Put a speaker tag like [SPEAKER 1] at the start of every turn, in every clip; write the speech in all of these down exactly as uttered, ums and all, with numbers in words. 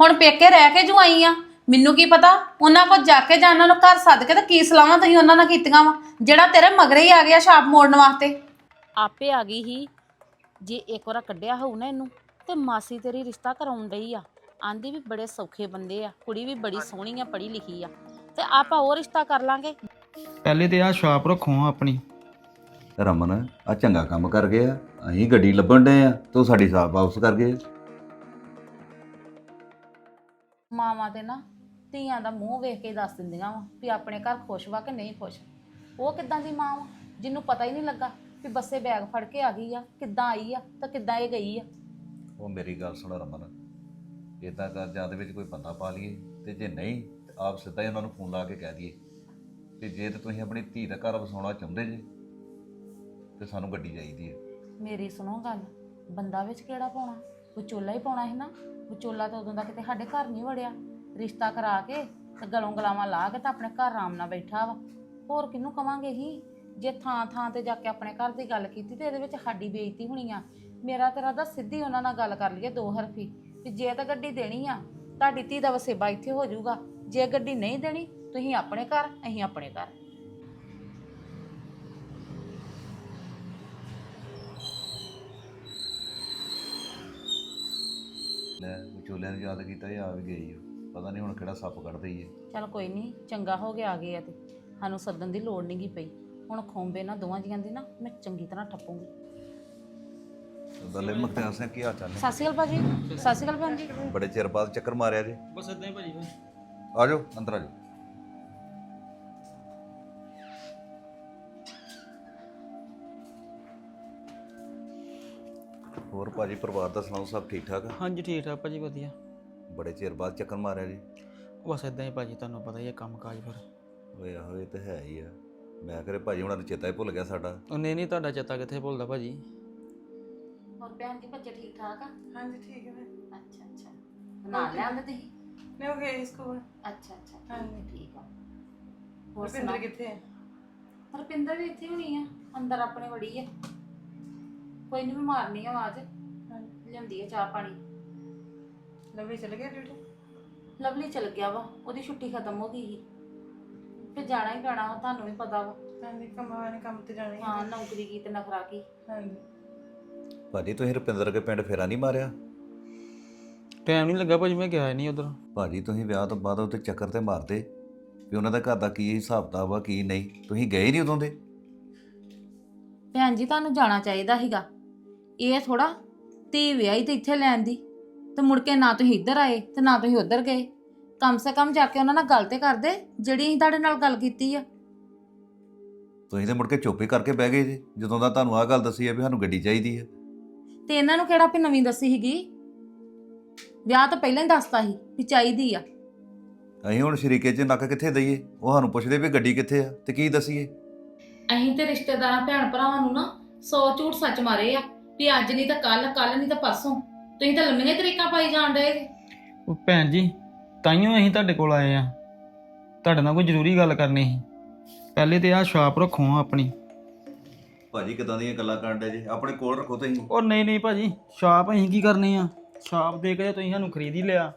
[SPEAKER 1] ਹੁਣ ਪੇਕੇ ਰਹਿ ਕੇ ਜੂ ਆਈ ਆ, ਮੈਨੂੰ ਕੀ ਪਤਾ ਉਹਨਾਂ ਕੋਲ ਜਾ ਕੇ ਜਾਂ ਉਹਨਾਂ ਨੂੰ ਘਰ ਸੱਦ ਕੇ ਤੇ ਕੀ ਸਲਾਹਾਂ ਤੁਸੀਂ ਉਹਨਾਂ ਨਾਲ ਕੀਤੀਆਂ ਵਾ ਜਿਹੜਾ ਤੇਰੇ ਮਗਰੇ ਹੀ ਆ ਗਿਆ ਛਾਪ ਮੋੜਨ ਵਾਸਤੇ।
[SPEAKER 2] ਆਪੇ ਆ ਗਈ ਹੀ। ਜੇ ਇੱਕ ਵਾਰ ਕੱਢਿਆ ਹੋਊ ਨਾ ਇਹਨੂੰ ਤੇ ਮਾਸੀ ਤੇਰੀ ਰਿਸ਼ਤਾ ਕਰਾਉਣ ਡਈ ਆ। ਆਂਦੀ ਵੀ ਬੜੇ ਸੌਖੇ ਬੰਦੇ ਆ, ਕੁੜੀ ਵੀ ਬੜੀ ਸੋਹਣੀ ਆ, ਪੜ੍ਹੀ ਲਿਖੀ ਆ, ਤੇ ਆਪਾਂ ਉਹ ਰਿਸ਼ਤਾ ਕਰ ਲਾਂਗੇ।
[SPEAKER 3] ਪਹਿਲੇ ਤੇ ਆਹ ਛਾਪ ਰੱਖੋ ਆਪਣੀ।
[SPEAKER 4] ਰਮਨ ਆ ਚੰਗਾ ਕੰਮ ਕਰ ਗਏ ਆ, ਅਸੀਂ ਗੱਡੀ ਲੱਭਣ ਡਏ ਆ ਤੂੰ ਸਾਡੀ ਸਾਫ ਵਾਪਸ ਕਰ ਗਏ।
[SPEAKER 1] ਮਾਵਾਂ ਤੇ ਨਾ ਧੀਆਂ ਦਾ ਮੂੰਹ ਵੇਖ ਕੇ ਦੱਸ ਦਿੰਦੀਆਂ ਵਾ ਵੀ ਆਪਣੇ ਘਰ ਖੁਸ਼ ਵਾ ਕਿ ਨਹੀਂ ਖੁਸ਼। ਉਹ ਕਿੱਦਾਂ ਦੀ ਮਾਂ ਵਾ ਜਿਹਨੂੰ ਪਤਾ ਹੀ ਨਹੀਂ ਲੱਗਾ ਵੀ ਬੱਸੇ ਬੈਗ ਫੜ ਕੇ ਆ ਗਈ ਆ, ਕਿੱਦਾਂ ਆਈ ਆ ਤਾਂ ਕਿੱਦਾਂ ਇਹ ਗਈ ਆ।
[SPEAKER 4] ਉਹ ਮੇਰੀ ਗੱਲ ਸੁਣ ਰਮਨ, ਇਦਾਂ ਕਰ ਜਾਂ ਦੇ ਵਿੱਚ ਕੋਈ ਬੰਦਾ ਪਾ ਲਈਏ, ਤੇ ਜੇ ਨਹੀਂ ਤੇ ਆਪ ਸਿੱਧਾ ਹੀ ਉਹਨਾਂ ਨੂੰ ਫੋਨ ਲਾ ਕੇ ਕਹਿ ਦਈਏ ਕਿ ਜੇ ਤੇ ਤੁਸੀਂ ਆਪਣੀ ਧੀ ਦਾ ਘਰ ਵਸਾਉਣਾ ਚਾਹੁੰਦੇ ਜੇ ਤੇ ਸਾਨੂੰ ਗੱਡੀ ਚਾਹੀਦੀ ਹੈ।
[SPEAKER 1] ਮੇਰੀ ਸੁਣੋ ਗੱਲ, ਬੰਦਾ ਵਿੱਚ ਕਿਹੜਾ ਪਾਉਣਾ, ਵਿਚੋਲਾ ਹੀ ਪਾਉਣਾ ਸੀ ਨਾ। ਵਿਚੋਲਾ ਤਾਂ ਉਦੋਂ ਦਾ ਕਿਤੇ ਸਾਡੇ ਘਰ ਨਹੀਂ ਵੜਿਆ, ਰਿਸ਼ਤਾ ਕਰਾ ਕੇ ਤੇ ਗਲੋਂ ਗਲਾਵਾਂ ਲਾ ਕੇ ਤਾਂ ਆਪਣੇ ਘਰ ਆਰਾਮ ਨਾਲ ਬੈਠਾ ਵਾ। ਹੋਰ ਕਿਹਨੂੰ ਕਵਾਂਗੇ ਹੀ, ਜੇ ਥਾਂ ਥਾਂ ਤੇ ਜਾ ਕੇ ਆਪਣੇ ਘਰ ਦੀ ਗੱਲ ਕੀਤੀ ਤੇ ਇਹਦੇ ਵਿੱਚ ਸਾਡੀ ਬੇਇੱਜ਼ਤੀ ਹੋਣੀ ਆ। ਮੇਰਾ ਤੇਰਾ ਤਾਂ ਸਿੱਧੀ ਉਹਨਾਂ ਨਾਲ ਗੱਲ ਕਰ ਲਈਏ ਦੋ ਹਰਫੀ ਵੀ ਜੇ ਤਾਂ ਗੱਡੀ ਦੇਣੀ ਆ ਤੁਹਾਡੀ ਧੀ ਦਾ ਵਸੇਬਾ ਇੱਥੇ ਹੋ ਜਾਊਗਾ, ਜੇ ਗੱਡੀ ਨਹੀਂ ਦੇਣੀ ਤੁਸੀਂ ਆਪਣੇ ਘਰ ਅਸੀਂ ਆਪਣੇ ਘਰ।
[SPEAKER 4] ਲੈ ਵਿਚੋਲਿਆਂ ਨੂੰ ਯਾਦ ਕੀਤਾ ਇਹ ਆ ਵੀ ਗਈ, ਪਤਾ ਨਹੀਂ ਹੁਣ ਕਿਹੜਾ ਸੱਪ ਕੱਢ ਦਈਏ।
[SPEAKER 1] ਚੱਲ ਕੋਈ ਨਹੀਂ, ਚੰਗਾ ਹੋ ਗਿਆ ਆ ਗਏ ਆ ਤੇ ਸਾਨੂੰ ਸੱਦਣ ਦੀ ਲੋੜ ਨਹੀਂ ਗੀ ਪਈ। ਹੁਣ ਖੋਂਬੇ ਨਾ ਦੋਵਾਂ ਜੀਆਂ ਦੀ ਨਾ ਮੈਂ ਚੰਗੀ ਤਰ੍ਹਾਂ ਠੱਪੂਗੀ।
[SPEAKER 4] ਬੱਲੇ ਮੁਖਤਿਆਰ ਸਿੰਘ ਕੀ ਹਾਲ ਚਾਲ ਨੇ?
[SPEAKER 1] ਸਤਿ ਸ਼੍ਰੀ ਅਕਾਲ ਭਾਜੀ। ਸਤਿ ਸ਼੍ਰੀ ਅਕਾਲ ਭੈਣ ਜੀ।
[SPEAKER 4] ਬੜੇ ਚਿਰ ਬਾਅਦ ਚੱਕਰ ਮਾਰਿਆ ਜੀ।
[SPEAKER 3] ਬਸ ਇਦਾਂ ਹੀ ਭਾਜੀ।
[SPEAKER 4] ਆ ਜਾਓ ਅੰਦਰ ਆ ਜਾਓ। ਹੋਰ ਭਾਜੀ ਪਰਿਵਾਰ ਦਾ ਸੁਣਾਓ, ਸਭ ਠੀਕ ਠਾਕ ਆ?
[SPEAKER 3] ਹਾਂਜੀ ਠੀਕ ਠਾਕ ਭਾਜੀ, ਵਧੀਆ।
[SPEAKER 4] ਬੜੇ ਚਿਰ ਬਾਅਦ ਚੱਕਰ ਮਾਰਿਆ ਜੀ।
[SPEAKER 3] ਬਸ ਇਦਾਂ ਹੀ ਭਾਜੀ, ਤੁਹਾਨੂੰ ਪਤਾ ਹੀ ਹੈ ਕੰਮ ਕਾਜ ਫਿਰ।
[SPEAKER 4] ਓਏ ਆਹੋ ਇਹ ਤਾਂ ਹੈ ਹੀ ਆ। ਮੈਂ ਕਰੇ ਭਾਜੀ ਹੁਣਾਂ ਨੂੰ ਚੇਤਾ ਹੀ ਭੁੱਲ ਗਿਆ ਸਾਡਾ।
[SPEAKER 3] ਉਹ ਨਹੀਂ ਨਹੀਂ, ਤੁਹਾਡਾ ਚੇਤਾ ਕਿੱਥੇ ਭੁੱਲਦਾ ਭਾਜੀ।
[SPEAKER 1] ਹੋਰ ਭੈਣ ਜੀ ਬੱਚੇ ਠੀਕ ਠਾਕ ਆ?
[SPEAKER 5] ਹਾਂਜੀ ਠੀਕ ਹੈ।
[SPEAKER 1] ਅੱਛਾ ਅੱਛਾ, ਨਾਲ ਲਿਆਂਦੇ ਤੁਸੀਂ?
[SPEAKER 5] ਮੈਂ ਉਹ ਗਏ ਸਕੂਲ।
[SPEAKER 1] ਅੱਛਾ ਅੱਛਾ
[SPEAKER 5] ਹਾਂਜੀ
[SPEAKER 1] ਠੀਕ ਆ। ਹੋਰ
[SPEAKER 5] ਰੁਪਿੰਦਰ
[SPEAKER 1] ਸੁਣਾ,
[SPEAKER 5] ਕਿੱਥੇ ਹੈ?
[SPEAKER 1] ਰੁਪਿੰਦਰ ਵੀ ਇੱਥੇ ਹੋਣੀ ਆ, ਅੰਦਰ ਆਪਣੇ ਵੜੀ ਆ। ਕੋਈ ਨਹੀਂ, ਮੈਂ ਮਾਰਨੀ ਆ ਆਵਾਜ਼,
[SPEAKER 5] ਹਾਂਜੀ
[SPEAKER 1] ਲਿਆਉਂਦੀ ਆ ਚਾਹ ਪਾਣੀ।
[SPEAKER 5] ਲਵੀ ਚਲ ਗਿਆ ਡਿਊਟੀ?
[SPEAKER 1] ਲਵਲੀ ਚਲ ਗਿਆ ਵਾ, ਉਹਦੀ ਛੁੱਟੀ ਖਤਮ ਹੋ ਗਈ ਸੀ, ਫਿਰ ਜਾਣਾ ਹੀ ਪੈਣਾ ਵਾ, ਤੁਹਾਨੂੰ ਵੀ ਪਤਾ ਵਾ।
[SPEAKER 5] ਹਾਂਜੀ ਕੰਮਾਂ ਨੇ ਕੰਮ ਤੇ ਜਾਣਾ ਹੀ
[SPEAKER 1] ਹਾਂ, ਨੌਕਰੀ ਕੀ ਤੇ ਨਖਰਾ ਕੀ।
[SPEAKER 5] ਹਾਂਜੀ।
[SPEAKER 4] ਭਾਜੀ ਤੁਸੀਂ ਰੁਪਿੰਦਰ ਕੇ ਪਿੰਡ ਫੇਰਾ ਨਹੀਂ ਮਾਰਿਆ?
[SPEAKER 3] ਟਾਈਮ ਨਹੀਂ ਲੱਗਾ ਭਾਜੀ, ਮੈਂ ਗਿਆ ਹੀ ਨਹੀਂ ਉਧਰ।
[SPEAKER 4] ਭਾਜੀ ਤੁਸੀਂ ਵਿਆਹ ਤੋਂ ਬਾਅਦ ਉੱਤੇ ਚੱਕਰ ਤੇ ਮਾਰਦੇ ਵੀ ਉਹਨਾਂ ਦਾ ਘਰ ਦਾ ਕੀ ਹਿਸਾਬ ਕਿਤਾਬ ਵਾ ਕੀ ਨਹੀਂ, ਤੁਸੀਂ ਗਏ ਨਹੀਂ ਉਦੋਂ ਦੇ।
[SPEAKER 1] ਭੈਣ ਜੀ ਤੁਹਾਨੂੰ ਜਾਣਾ ਚਾਹੀਦਾ ਸੀਗਾ, ਇਹ ਥੋੜਾ ਧੀ ਵਿਆਹੀ ਤੇ ਇੱਥੇ ਲੈਣ ਦੀ ਤੇ ਮੁੜ ਕੇ ਨਾ ਤੁਸੀਂ ਇੱਧਰ ਆਏ ਤੇ ਨਾ ਤੁਸੀਂ ਉੱਧਰ ਗਏ। ਕਮ ਸੇ ਕਮ ਜਾ ਕੇ ਉਹਨਾਂ ਨਾਲ ਗੱਲ ਤੇ ਕਰਦੇ ਜਿਹੜੀ ਅਸੀਂ ਤੁਹਾਡੇ ਨਾਲ ਗੱਲ ਕੀਤੀ ਆ।
[SPEAKER 4] ਤੁਸੀਂ ਤੇ ਮੁੜ ਕੇ ਚੁੱਪ ਹੀ ਕਰਕੇ ਬਹਿ ਗਏ ਜੀ ਜਦੋਂ ਦਾ ਤੁਹਾਨੂੰ ਆਹ ਗੱਲ ਦੱਸੀ ਹੈ ਵੀ ਸਾਨੂੰ ਗੱਡੀ ਚਾਹੀਦੀ ਹੈ।
[SPEAKER 1] ਤੇ ਇਹਨਾਂ ਨੂੰ ਕਿਹੜਾ ਵੀ ਨਵੀਂ ਦੱਸੀ ਸੀਗੀ, ਵਿਆਹ ਤੋਂ ਪਹਿਲਾਂ ਹੀ ਦੱਸਤਾ ਸੀ ਵੀ ਚਾਹੀਦੀ ਆ।
[SPEAKER 4] ਅਸੀਂ ਹੁਣ ਸ਼ਰੀਕੇ 'ਚ ਨੱਕ ਕਿੱਥੇ ਦਈਏ, ਉਹ ਸਾਨੂੰ ਪੁੱਛਦੇ ਵੀ ਗੱਡੀ ਕਿੱਥੇ ਆ ਤੇ ਕੀ ਦਸੀਏ।
[SPEAKER 1] ਅਸੀਂ ਤੇ ਰਿਸ਼ਤੇਦਾਰਾਂ ਭੈਣ ਭਰਾਵਾਂ ਨੂੰ ਨਾ ਸੌ ਝੂਠ ਸੱਚ ਮਾਰੇ ਆ ਵੀ ਅੱਜ ਨਹੀਂ ਤਾਂ ਕੱਲ, ਕੱਲ ਨਹੀਂ ਤਾਂ ਪਰਸੋਂ। ਤੁਸੀਂ ਤਾਂ ਲੰਮੀਆਂ ਤਰੀਕਾਂ ਪਾਈ ਜਾਣ ਡਏ ਜੇ।
[SPEAKER 3] ਉਹ ਭੈਣ ਜੀ ਤਾਈਓ ਅਸੀਂ ਤੁਹਾਡੇ ਕੋਲ ਆਏ ਆ, ਤੁਹਾਡੇ ਨਾਲ ਕੋਈ ਜ਼ਰੂਰੀ ਗੱਲ ਕਰਨੀ ਸੀ। ਪਹਿਲੇ ਤੇ ਆਹ ਛਾਪ ਰੱਖੋ ਆਪਣੀ।
[SPEAKER 4] ਭਾਜੀ ਕਿਦਾਂ ਦੀਆਂ ਗੱਲਾਂ ਕਰਨ ਡੇ ਜੀ, ਆਪਣੇ ਕੋਲ ਰੱਖੋ ਤੁਸੀਂ।
[SPEAKER 3] ਉਹ ਨਹੀਂ ਨਹੀਂ ਭਾਜੀ, ਛਾਪ ਅਸੀਂ ਕੀ ਕਰਨੀ ਆ? ਛਾਪ ਦੇ ਕੇ ਤੁਸੀਂ ਸਾਨੂੰ ਖਰੀਦ ਹੀ ਲਿਆ।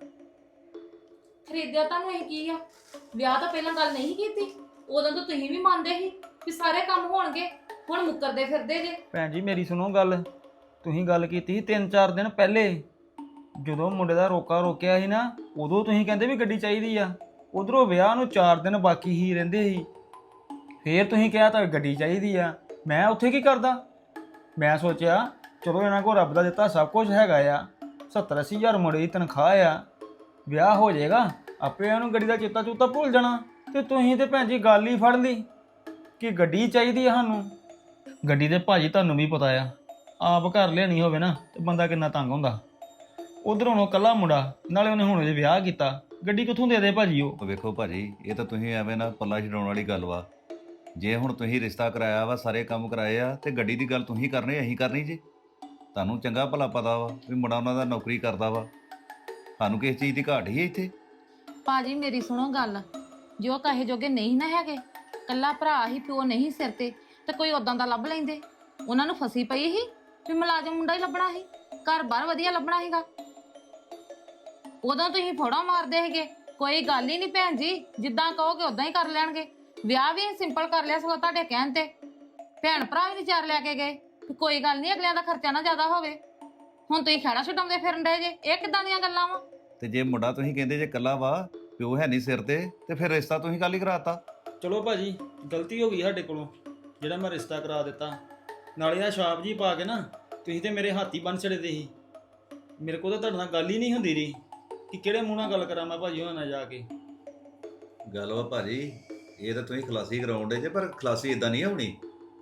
[SPEAKER 1] ਖਰੀਦਿਆ ਤੁਹਾਨੂੰ ਇਹ ਕੀ ਆ? ਵਿਆਹ ਤੋਂ ਪਹਿਲਾਂ ਗੱਲ ਨਹੀਂ ਕੀਤੀ, ਉਦੋਂ ਤਾਂ ਤੁਸੀਂ ਵੀ ਮੰਨਦੇ ਸੀ ਵੀ ਸਾਰੇ ਕੰਮ ਹੋਣਗੇ, ਹੁਣ ਮੁੱਕਰਦੇ ਫਿਰਦੇ ਜੇ।
[SPEAKER 3] ਭੈਣ ਜੀ ਮੇਰੀ ਸੁਣੋ ਗੱਲ, ਤੁਸੀਂ ਗੱਲ ਕੀਤੀ ਸੀ ਤਿੰਨ ਚਾਰ ਦਿਨ ਪਹਿਲੇ, ਜਦੋਂ ਮੁੰਡੇ ਦਾ ਰੋਕਾ ਰੋਕਿਆ ਸੀ ਨਾ, ਉਦੋਂ ਤੁਸੀਂ ਕਹਿੰਦੇ ਵੀ ਗੱਡੀ ਚਾਹੀਦੀ ਆ। ਉਧਰੋਂ ਵਿਆਹ ਨੂੰ ਚਾਰ ਦਿਨ ਬਾਕੀ ਹੀ ਰਹਿੰਦੇ ਸੀ, ਫੇਰ ਤੁਸੀਂ ਕਿਹਾ ਤਾਂ ਗੱਡੀ ਚਾਹੀਦੀ ਆ। ਮੈਂ ਉੱਥੇ ਕੀ ਕਰਦਾ? ਮੈਂ ਸੋਚਿਆ ਚਲੋ ਇਹਨਾਂ ਕੋਲ ਰੱਬ ਦਾ ਦਿੱਤਾ ਸਭ ਕੁਝ ਹੈਗਾ ਆ, ਸੱਤਰ ਅੱਸੀ ਹਜ਼ਾਰ ਮੁੰਡੇ ਦੀ ਤਨਖਾਹ ਆ, ਵਿਆਹ ਹੋ ਜਾਏਗਾ, ਆਪੇ ਉਹਨੂੰ ਗੱਡੀ ਦਾ ਚੇਤਾ ਚੂਤਾ ਭੁੱਲ ਜਾਣਾ। ਤੇ ਤੁਸੀਂ ਤੇ ਭੈਣ ਜੀ ਗੱਲ ਹੀ ਫੜ ਲਈ ਕਿ ਗੱਡੀ ਚਾਹੀਦੀ ਆ ਸਾਨੂੰ। ਗੱਡੀ ਤੇ ਭਾਜੀ ਤੁਹਾਨੂੰ ਵੀ ਪਤਾ ਆ, ਆਪ ਘਰ ਲਿਆਣੀ ਹੋਵੇ ਨਾ ਤੇ ਬੰਦਾ ਕਿੰਨਾ ਤੰਗ ਹੁੰਦਾ। ਉਧਰ ਹੁਣ ਉਹ ਇਕੱਲਾ ਮੁੰਡਾ, ਨਾਲੇ ਉਹਨੇ ਹੁਣ ਜੇ ਵਿਆਹ ਕੀਤਾ, ਗੱਡੀ ਕਿੱਥੋਂ ਦੇ ਦੇ ਭਾਜੀ ਉਹ?
[SPEAKER 4] ਵੇਖੋ ਭਾਜੀ ਇਹ ਤਾਂ ਤੁਸੀਂ ਐਵੇਂ ਨਾ ਪੱਲਾ ਛਡਾਉਣ ਵਾਲੀ ਗੱਲ ਵਾ। ਜੇ ਹੁਣ ਤੁਸੀਂ ਰਿਸ਼ਤਾ ਕਰਾਇਆ ਵਾ, ਸਾਰੇ ਕੰਮ ਕਰਾਏ ਆ, ਤੇ ਗੱਡੀ ਦੀ ਗੱਲ ਤੁਸੀਂ ਕਰਨੀ ਅਸੀਂ ਕਰਨੀ ਜੀ। ਤੁਹਾਨੂੰ ਚੰਗਾ ਭਲਾ ਪਤਾ ਵਾ ਵੀ ਮੁੰਡਾ ਉਹਨਾਂ ਦਾ ਨੌਕਰੀ ਕਰਦਾ ਵਾ, ਸਾਨੂੰ ਕਿਸ ਚੀਜ਼ ਦੀ ਘਾਟ ਹੀ ਹੈ ਇੱਥੇ।
[SPEAKER 1] ਭਾਜੀ ਮੇਰੀ ਸੁਣੋ ਗੱਲ, ਜੋ ਕਹੇ ਜੋਗੇ ਨਹੀਂ ਨਾ ਹੈਗੇ, ਕੱਲਾ ਭਰਾ ਹੀ, ਪਿਓ ਨਹੀਂ ਸਿਰ ਤੇ, ਤੇ ਕੋਈ ਉਦਾਂ ਦਾ ਲੱਭ ਲੈਂਦੇ। ਉਹਨਾਂ ਨੂੰ ਫਸੀ ਪਈ ਸੀ ਵੀ ਮੁਲਾਜ਼ਮ ਮੁੰਡਾ ਹੀ ਲੱਭਣਾ ਸੀ, ਘਰ ਬਾਹਰ ਵਧੀਆ ਲੱਭਣਾ ਸੀਗਾ। ਉਦੋਂ ਤੁਸੀਂ ਫੋੜਾ ਮਾਰਦੇ ਹੈਗੇ, ਕੋਈ ਗੱਲ ਹੀ ਨਹੀਂ ਭੈਣ ਜੀ, ਜਿੱਦਾਂ ਕਹੋਗੇ ਉਦਾਂ ਹੀ ਕਰ ਲੈਣਗੇ। ਵਿਆਹ ਵੀ ਸਿੰਪਲ ਕਰ ਲਿਆ ਸਗੋਂ ਤੁਹਾਡੇ ਕਹਿਣ ਤੇ, ਭੈਣ ਭਰਾ ਵੀ ਵਿਚਾਰ ਲੈ ਕੇ ਗਏ ਵੀ ਕੋਈ ਗੱਲ ਨਹੀਂ ਅਗਲਿਆਂ ਦਾ ਖਰਚਾ ਨਾ ਜ਼ਿਆਦਾ ਹੋਵੇ। ਹੁਣ ਤੁਸੀਂ ਖਹਿੜਾ ਛਡਾਉਂਦੇ ਫਿਰਨ ਡਏ ਜੇ, ਇਹ ਕਿੱਦਾਂ ਦੀਆਂ ਗੱਲਾਂ ਵਾ?
[SPEAKER 4] ਤੇ ਜੇ ਮੁੰਡਾ ਤੁਸੀਂ ਕਹਿੰਦੇ ਜੇ ਕੱਲਾ ਵਾ, ਪਿਓ ਹੈ ਨਹੀਂ ਸਿਰ ਤੇ ਤੇ ਫਿਰ ਰਿਸ਼ਤਾ ਤੁਸੀਂ ਕੱਲ ਹੀ ਕਰਾਤਾ।
[SPEAKER 3] ਚਲੋ ਭਾਜੀ, ਗਲਤੀ ਹੋ ਗਈ ਸਾਡੇ ਕੋਲੋਂ ਜਿਹੜਾ ਮੈਂ ਰਿਸ਼ਤਾ ਕਰਾ ਦਿੱਤਾ। ਨਾਲੇ ਆ ਛਾਪ ਜੀ ਪਾ ਕੇ ਨਾ ਤੁਸੀਂ ਤੇ ਮੇਰੇ ਹੱਥ ਹੀ ਬੰਨ ਛੜਦੇ ਸੀ। ਮੇਰੇ ਕੋਲ ਤਾਂ ਤੁਹਾਡੇ ਨਾਲ ਗੱਲ ਹੀ ਨਹੀਂ ਹੁੰਦੀ ਰਹੀ ਕਿ ਕਿਹੜੇ ਮੂੰਹ ਨਾਲ ਗੱਲ ਕਰਾਂ ਮੈਂ ਭਾਜੀ ਉਹਨਾਂ ਨਾਲ ਜਾ ਕੇ।
[SPEAKER 4] ਗੱਲ ਵਾ ਭਾਜੀ, ਇਹ ਤਾਂ ਤੁਸੀਂ ਖਲਾਸੀ ਕਰਾਉਂਦੇ ਜੇ, ਪਰ ਖਲਾਸੀ ਇਦਾਂ ਨਹੀਂ ਹੋਣੀ।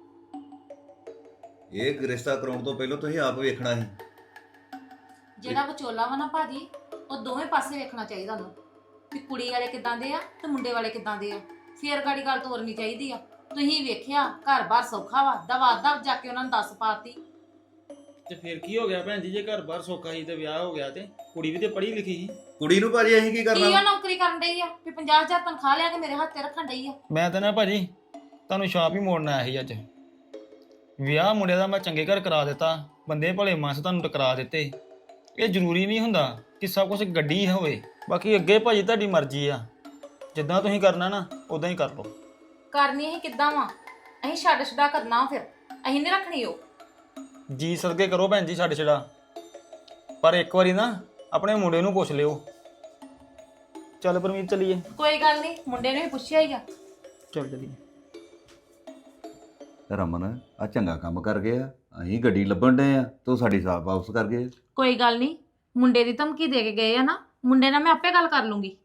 [SPEAKER 4] ਇਹ ਰਿਸ਼ਤਾ ਕਰਾਉਣ ਤੋਂ ਪਹਿਲਾਂ ਤੁਸੀਂ ਆਪ ਵੇਖਣਾ ਸੀ।
[SPEAKER 2] ਜਿਹੜਾ ਵਿਚੋਲਾ ਵਾ ਨਾ ਭਾਜੀ, ਉਹ ਦੋਵੇਂ ਪਾਸੇ ਵੇਖਣਾ ਚਾਹੀਦਾ ਉਹਨੂੰ ਵੀ ਕੁੜੀ ਵਾਲੇ ਕਿੱਦਾਂ ਦੇ ਆ ਤੇ ਮੁੰਡੇ ਵਾਲੇ ਕਿੱਦਾਂ ਦੇ ਆ, ਫੇਰ ਗਾੜੀ ਗੱਲ ਤੋਰਨੀ ਚਾਹੀਦੀ ਆ। ਤੁਸੀਂ ਵੇਖਿਆ ਘਰ-ਬਾਰ ਸੌਖਾ ਵਾ, ਦਵਾ ਦਵ ਜਾ ਕੇ ਉਹਨਾਂ ਨੂੰ ਦੱਸ ਪਾਤੀ।
[SPEAKER 3] ਤੇ ਫਿਰ ਕੀ ਹੋ ਗਿਆ ਭੈਣ ਜੀ, ਜੇ ਘਰ ਬਾਹਰ ਸੌਖਾ ਸੀ ਤੇ ਵਿਆਹ ਹੋ ਗਿਆ, ਤੇ ਕੁੜੀ ਵੀ ਤੇ ਪੜ੍ਹੀ ਲਿਖੀ ਸੀ।
[SPEAKER 4] ਕੁੜੀ ਨੂੰ ਭਾਜੀ ਅਸੀਂ ਕੀ
[SPEAKER 2] ਕੀ
[SPEAKER 4] ਕਰਨਾ?
[SPEAKER 2] ਉਹ ਨੌਕਰੀ ਕਰਨ ਡਈ ਆ ਵੀ ਪੰਜਾਹ ਹਜ਼ਾਰ ਤਨਖਾਹ ਲਿਆ ਕੇ ਮੇਰੇ ਹੱਥ ਤੇ ਰੱਖਣ ਡਈ ਆ?
[SPEAKER 3] ਮੈਂ ਤਾਂ ਨਾ ਭਾਜੀ ਤੁਹਾਨੂੰ ਛਾਪ ਹੀ ਮੋੜਨ ਆਇਆ ਸੀ ਅੱਜ। ਵਿਆਹ ਮੁੰਡੇ ਦਾ ਮੈਂ ਚੰਗੇ ਘਰ ਕਰਾ ਦਿੱਤਾ, ਬੰਦੇ ਭਲੇ ਮਾਨਸ ਤੁਹਾਨੂੰ ਟਕਰਾ ਦਿੱਤੇ। ਇਹ ਜ਼ਰੂਰੀ ਨਹੀਂ ਹੁੰਦਾ ਕਿ ਸਭ ਕੁਝ ਗੱਡੀ ਹੋਵੇ। ਬਾਕੀ ਅੱਗੇ ਭਾਜੀ ਤੁਹਾਡੀ ਮਰਜ਼ੀ ਆ, ਜਿੱਦਾਂ ਤੁਸੀਂ ਕਰਨਾ ਨਾ ਉਦਾਂ ਹੀ ਕਰ ਲਓ।
[SPEAKER 2] ਕਰਨੀ ਅਸੀਂ ਕਿੱਦਾਂ ਵਾ? ਅਸੀਂ ਛੱਡ ਛਡਾ ਕਰਨਾ, ਫਿਰ ਅਸੀਂ ਨਹੀਂ ਰੱਖਣੀ ਉਹ।
[SPEAKER 3] ਜੀ ਸਦਕੇ ਕਰੋ ਭੈਣ ਜੀ ਛੱਡ ਛੜਾ, ਪਰ ਇੱਕ ਵਾਰੀ ਨਾ ਆਪਣੇ ਮੁੰਡੇ ਨੂੰ ਪੁੱਛ ਲਿਓ। ਚੱਲ ਪਰਮੀਤ ਚੱਲੀਏ।
[SPEAKER 2] ਕੋਈ ਗੱਲ ਨਹੀਂ, ਮੁੰਡੇ ਨੇ ਵੀ ਪੁੱਛਿਆ ਹੀ ਆ।
[SPEAKER 3] ਚੱਲ ਚੱਲੀਏ।
[SPEAKER 4] ਰਮਨ ਆ ਚੰਗਾ ਕੰਮ ਕਰ ਗਿਆ, ਅਸੀਂ ਗੱਡੀ ਲੱਭਣ ਡਏ ਆ, ਤੂੰ ਸਾਡੀ ਸਾਫ ਵਾਪਸ ਕਰ ਗਏ।
[SPEAKER 2] ਕੋਈ ਗੱਲ ਨਹੀਂ, ਮੁੰਡੇ ਦੀ ਧਮਕੀ ਦੇ ਕੇ ਗਏ ਆ ਨਾ, ਮੁੰਡੇ ਨਾਲ ਮੈਂ ਆਪੇ ਗੱਲ ਕਰ ਲੂੰਗੀ।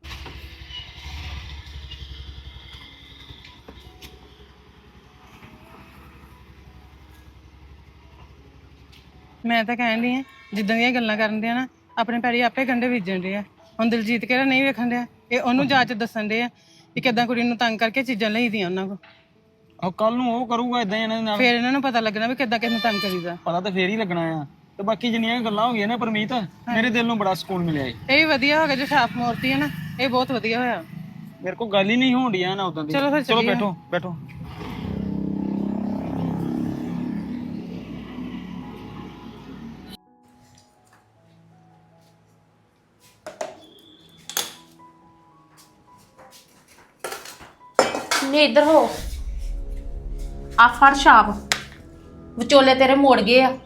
[SPEAKER 5] ਮੈਂ ਤਾਂ ਕਹਿਣ ਡਈ ਆ ਜਿੱਦਾਂ ਦੀਆਂ ਗੱਲਾਂ ਕਰਨ ਦੇ ਆ ਨਾ, ਆਪਣੇ ਪੈਰੀ ਆਪੇ ਗੰਢੇ ਬੀਜਣ ਦੇ ਆ। ਹੁਣ ਦਿਲਜੀਤ ਕਿਹੜਾ ਨਹੀਂ ਵੇਖਣ ਡਿਆ, ਇਹ ਉਹਨੂੰ ਜਾਂਚ ਦੱਸਣ ਦੇ ਆ ਕਿ ਕਿੱਦਾਂ ਕੁੜੀ ਨੂੰ ਤੰਗ ਕਰਕੇ ਚੀਜ਼ਾਂ ਲਈਦੀਆਂ ਉਹਨਾਂ ਕੋਲ।
[SPEAKER 3] ਆਹ ਕੱਲ ਨੂੰ ਉਹ ਕਰੂਗਾ ਇਦਾਂ ਇਹਨਾਂ ਦੇ ਨਾਲ,
[SPEAKER 5] ਫੇਰ ਇਹਨਾਂ ਨੂੰ ਪਤਾ ਲੱਗਣਾ ਵੀ ਕਿੱਦਾਂ ਕਿਸ ਨੂੰ ਤੰਗ ਕਰੀਦਾ।
[SPEAKER 3] ਪਤਾ ਤਾਂ ਫੇਰ ਹੀ ਲੱਗਣਾ ਆ। ਤੇ ਬਾਕੀ ਜਿੰਨੀਆਂ ਗੱਲਾਂ ਹੋ ਗਈਆਂ ਨਾ ਪਰਮੀਤ, ਮੇਰੇ ਦਿਲ ਨੂੰ ਬੜਾ ਸਕੂਨ ਮਿਲਿਆ ਏ।
[SPEAKER 5] ਇਹ ਵੀ ਵਧੀਆ ਹੋ ਗਿਆ ਜੋ ਛਾਪ ਮੋਰਤੀ ਹੈ ਨਾ, ਇਹ ਬਹੁਤ ਵਧੀਆ ਹੋਇਆ।
[SPEAKER 3] ਮੇਰੇ ਕੋਲ ਗੱਲ ਹੀ ਨਹੀਂ ਹੋਣ ਡਿਆ ਨਾ ਉਦਾਂ ਦੀ।
[SPEAKER 5] ਚਲੋ ਫਿਰ
[SPEAKER 3] ਚਲੋ
[SPEAKER 5] ਚੱਲੀਏ।
[SPEAKER 3] ਬੈਠੋ ਬੈਠੋ।
[SPEAKER 2] ਨੇ ਇੱਧਰ ਹੋ, ਆ ਫੜ ਛਾਪ। ਵਿਚੋਲੇ ਤੇਰੇ ਮੋੜ ਗਏ ਆ।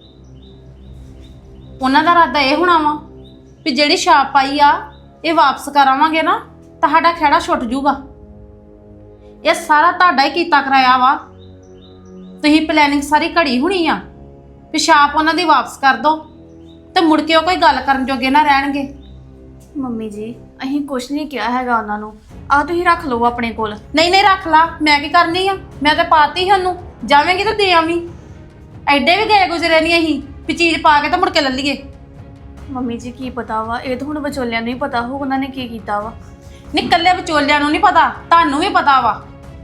[SPEAKER 2] ਉਹਨਾਂ ਦਾ ਇਰਾਦਾ ਇਹ ਹੋਣਾ ਵਾ ਵੀ ਜਿਹੜੀ ਛਾਪ ਪਾਈ ਆ ਇਹ ਵਾਪਸ ਕਰਾਵਾਂਗੇ ਨਾ, ਤੁਹਾਡਾ ਖਹਿੜਾ ਛੁੱਟ ਜੂਗਾ। ਇਹ ਸਾਰਾ ਤੁਹਾਡਾ ਹੀ ਕੀਤਾ ਕਰਾਇਆ ਵਾ। ਤੁਸੀਂ ਪਲੈਨਿੰਗ ਸਾਰੀ ਘੜੀ ਹੋਣੀ ਆ ਵੀ ਛਾਪ ਉਹਨਾਂ ਦੀ ਵਾਪਸ ਕਰ ਦੋ, ਤੇ ਮੁੜ ਕੇ ਉਹ ਕੋਈ ਗੱਲ ਕਰਨ ਜੋਗੇ ਨਾ ਰਹਿਣਗੇ।
[SPEAKER 6] ਮੰਮੀ ਜੀ, ਅਸੀਂ ਕੁਛ ਨਹੀਂ ਕਿਹਾ ਹੈਗਾ ਉਹਨਾਂ ਨੂੰ। ਆ ਤੁਸੀਂ ਰੱਖ ਲਓ ਆਪਣੇ ਕੋਲ।
[SPEAKER 2] ਨਹੀਂ ਨਹੀਂ ਰੱਖ ਲਾ, ਮੈਂ ਕੀ ਕਰਨੀ ਆ? ਮੈਂ ਤਾਂ ਪਾਤੀ ਸੀ ਉਹਨੂੰ, ਜਾਵੇਂਗੀ ਤਾਂ ਦੇ ਆਵੀਂ। ਐਡੇ ਵੀ ਗਏ ਗੁਜ਼ਰੇ ਨਹੀਂ ਅਸੀਂ ਵੀ ਚੀਜ਼ ਪਾ ਕੇ ਤਾਂ ਮੁੜ ਕੇ ਲੈ ਲਈਏ।
[SPEAKER 6] ਮੰਮੀ ਜੀ ਕੀ ਪਤਾ ਵਾ, ਇਹ ਤਾਂ ਹੁਣ ਵਿਚੋਲਿਆਂ ਨੂੰ ਹੀ ਪਤਾ ਹੋ ਉਹਨਾਂ ਨੇ ਕੀ ਕੀਤਾ ਵਾ।
[SPEAKER 2] ਨਹੀਂ ਕੱਲੇ ਵਿਚੋਲਿਆਂ ਨੂੰ ਨਹੀਂ ਪਤਾ, ਤੁਹਾਨੂੰ ਵੀ ਪਤਾ ਵਾ।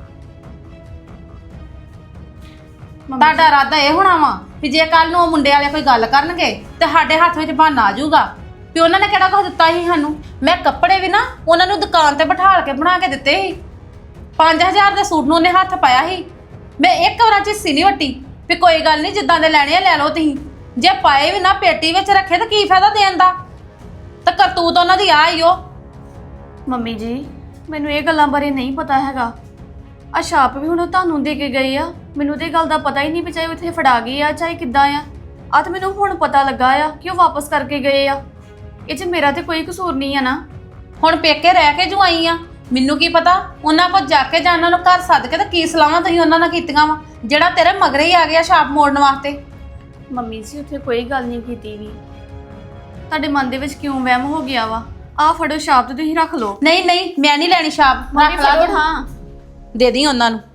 [SPEAKER 2] ਤੁਹਾਡਾ ਇਰਾਦਾ ਇਹ ਹੋਣਾ ਵਾ ਵੀ ਜੇ ਕੱਲ ਨੂੰ ਉਹ ਮੁੰਡੇ ਵਾਲੇ ਕੋਈ ਗੱਲ ਕਰਨਗੇ ਤੇ ਸਾਡੇ ਹੱਥ ਵਿੱਚ ਬਹਾਨਾ ਆ ਜਾਊਗਾ ਵੀ ਉਹਨਾਂ ਨੇ ਕਿਹੜਾ ਕੁਝ ਦਿੱਤਾ ਸੀ ਸਾਨੂੰ। ਮੈਂ ਕੱਪੜੇ ਵੀ ਨਾ ਉਹਨਾਂ ਨੂੰ ਦੁਕਾਨ ਤੇ ਬਿਠਾਲ ਕੇ ਬਣਾ ਕੇ ਦਿੱਤੇ ਸੀ। ਪੰਜ ਹਜ਼ਾਰ ਦੇ ਸੂਟ ਨੂੰ ਉਹਨੇ ਹੱਥ ਪਾਇਆ ਸੀ। ਮੈਂ ਇੱਕ ਵਾਰ ਝਿੱਸੀ ਨਹੀਂ ਵੱਟੀ ਵੀ ਕੋਈ ਗੱਲ ਨਹੀਂ, ਜਿੱਦਾਂ ਦੇ ਲੈਣੇ ਆ ਲੈ ਲਓ ਤੁਸੀਂ। ਜੇ ਪਾਏ ਵੀ ਨਾ ਪੇਟੀ ਵਿੱਚ ਰੱਖੇ ਤਾਂ ਕੀ ਫਾਇਦਾ ਦੇਣ ਦਾ? ਤਾਂ ਕਰਤੂਤ ਉਹਨਾਂ ਦੀ ਆ ਹੀ ਉਹ।
[SPEAKER 6] ਮੰਮੀ ਜੀ, ਮੈਨੂੰ ਇਹ ਗੱਲਾਂ ਬਾਰੇ ਨਹੀਂ ਪਤਾ ਹੈਗਾ। ਆ ਛਾਪ ਵੀ ਹੁਣ ਤੁਹਾਨੂੰ ਦੇ ਕੇ ਗਏ ਆ, ਮੈਨੂੰ ਤੇ ਇਹ ਗੱਲ ਦਾ ਪਤਾ ਹੀ ਨਹੀਂ ਵੀ ਚਾਹੇ ਉਹ ਇੱਥੇ ਫੜਾ ਗਏ ਆ ਚਾਹੇ ਕਿੱਦਾਂ ਆ। ਆ ਤਾਂ ਮੈਨੂੰ ਹੁਣ ਪਤਾ ਲੱਗਾ ਆ ਕਿ ਉਹ ਵਾਪਸ ਕਰਕੇ ਗਏ ਆ। ਇਹ 'ਚ ਮੇਰਾ ਤੇ ਕੋਈ ਕਸੂਰ ਨਹੀਂ ਆ ਨਾ।
[SPEAKER 2] ਹੁਣ ਪੇਕੇ ਰਹਿ ਕੇ ਜੋ ਆਈ ਆ, ਮੈਨੂੰ ਕੀ ਪਤਾ ਉਹਨਾਂ ਕੋਲ ਜਾ ਕੇ ਜਾਂ ਉਹਨਾਂ ਨੂੰ ਘਰ ਸੱਦ ਕੇ ਤਾਂ ਕੀ ਸਲਾਹਾਂ ਤੁਸੀਂ ਉਹਨਾਂ ਨਾਲ ਕੀਤੀਆਂ ਵਾ ਜਿਹੜਾ ਤੇਰੇ ਮਗਰੇ ਹੀ ਆ ਗਿਆ ਛਾਪ ਮੋੜਨ ਵਾਸਤੇ।
[SPEAKER 6] ਮੰਮੀ ਜੀ ਉੱਥੇ ਕੋਈ ਗੱਲ ਨਹੀਂ ਕੀਤੀ ਵੀ। ਤੁਹਾਡੇ ਮਨ ਦੇ ਵਿੱਚ ਕਿਉਂ ਵਹਿਮ ਹੋ ਗਿਆ ਵਾ? ਆ ਫੜੋ ਛਾਪ ਤੇ ਤੁਸੀਂ ਰੱਖ ਲਓ।
[SPEAKER 2] ਨਹੀਂ ਨਹੀਂ ਮੈਂ ਨਹੀਂ ਲੈਣੀ ਛਾਪ, ਰੱਖ ਲਾ ਤੂੰ।
[SPEAKER 6] ਹਾਂ
[SPEAKER 2] ਦੇ ਦੀ ਉਹਨਾਂ ਨੂੰ।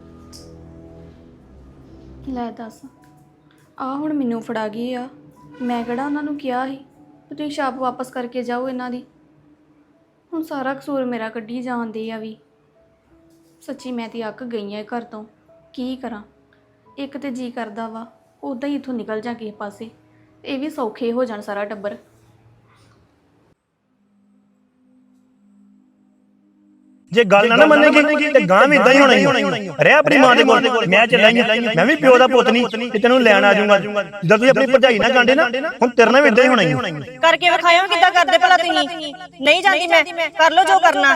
[SPEAKER 6] ਲੈ ਦੱਸ, ਆ ਹੁਣ ਮੈਨੂੰ ਫੜਾ ਗਈ ਆ। ਮੈਂ ਕਿਹੜਾ ਉਹਨਾਂ ਨੂੰ ਕਿਹਾ ਸੀ ਕਿ ਤੁਸੀਂ ਛਾਪ ਵਾਪਸ ਕਰਕੇ ਜਾਓ ਇਹਨਾਂ ਦੀ। ਹੁਣ ਸਾਰਾ ਕਸੂਰ ਮੇਰਾ ਕੱਢੀ ਜਾਂਦੇ ਆ ਵੀ। ਸੱਚੀ ਮੈਂ ਤੇ ਅੱਕ ਗਈ ਆ ਘਰ ਤੋਂ। ਕੀ ਕਰਾਂ? ਇੱਕ ਤੇ ਜੀ ਕਰਦਾ ਵਾ ਉੱਦਾਂ ਹੀ ਇੱਥੋਂ ਨਿਕਲ ਜਾ ਕਿਸੇ ਪਾਸੇ, ਇਹ ਵੀ ਸੌਖੇ ਹੋ ਜਾਣ ਸਾਰਾ ਟੱਬਰ।
[SPEAKER 7] ਜੇ ਗੱਲ ਨਾ ਨਾ ਮੰਨੇਗੀ ਤੇ ਗਾਂ ਵੀ ਇਦਾਂ ਹੀ ਹੋਣਾ ਹੀ ਰਹਿ ਆਪਣੀ ਮਾਂ ਦੇ ਕੋਲ। ਮੈਂ ਚੱਲਾਂ ਹੀ ਮੈਂ ਵੀ ਪਿਓ ਦਾ ਪੁੱਤ ਨਹੀਂ ਕਿ ਤੈਨੂੰ ਲੈਣ ਆ ਜਾਊਂਗਾ। ਜਦੋਂ ਤੁਸੀਂ ਆਪਣੀ ਭਰਜਾਈ ਨਾਲ ਗਾਂਡੇ ਨਾ ਹੁਣ ਤੇਰੇ ਨਾਲ ਵੀ ਇਦਾਂ ਹੀ ਹੋਣਾ ਹੀ।
[SPEAKER 8] ਕਰਕੇ ਵਿਖਾਇਓ ਕਿੱਦਾਂ ਕਰਦੇ ਭਲਾ ਤੁਸੀਂ। ਨਹੀਂ ਜਾਂਦੀ ਮੈਂ, ਕਰ ਲਓ ਜੋ ਕਰਨਾ।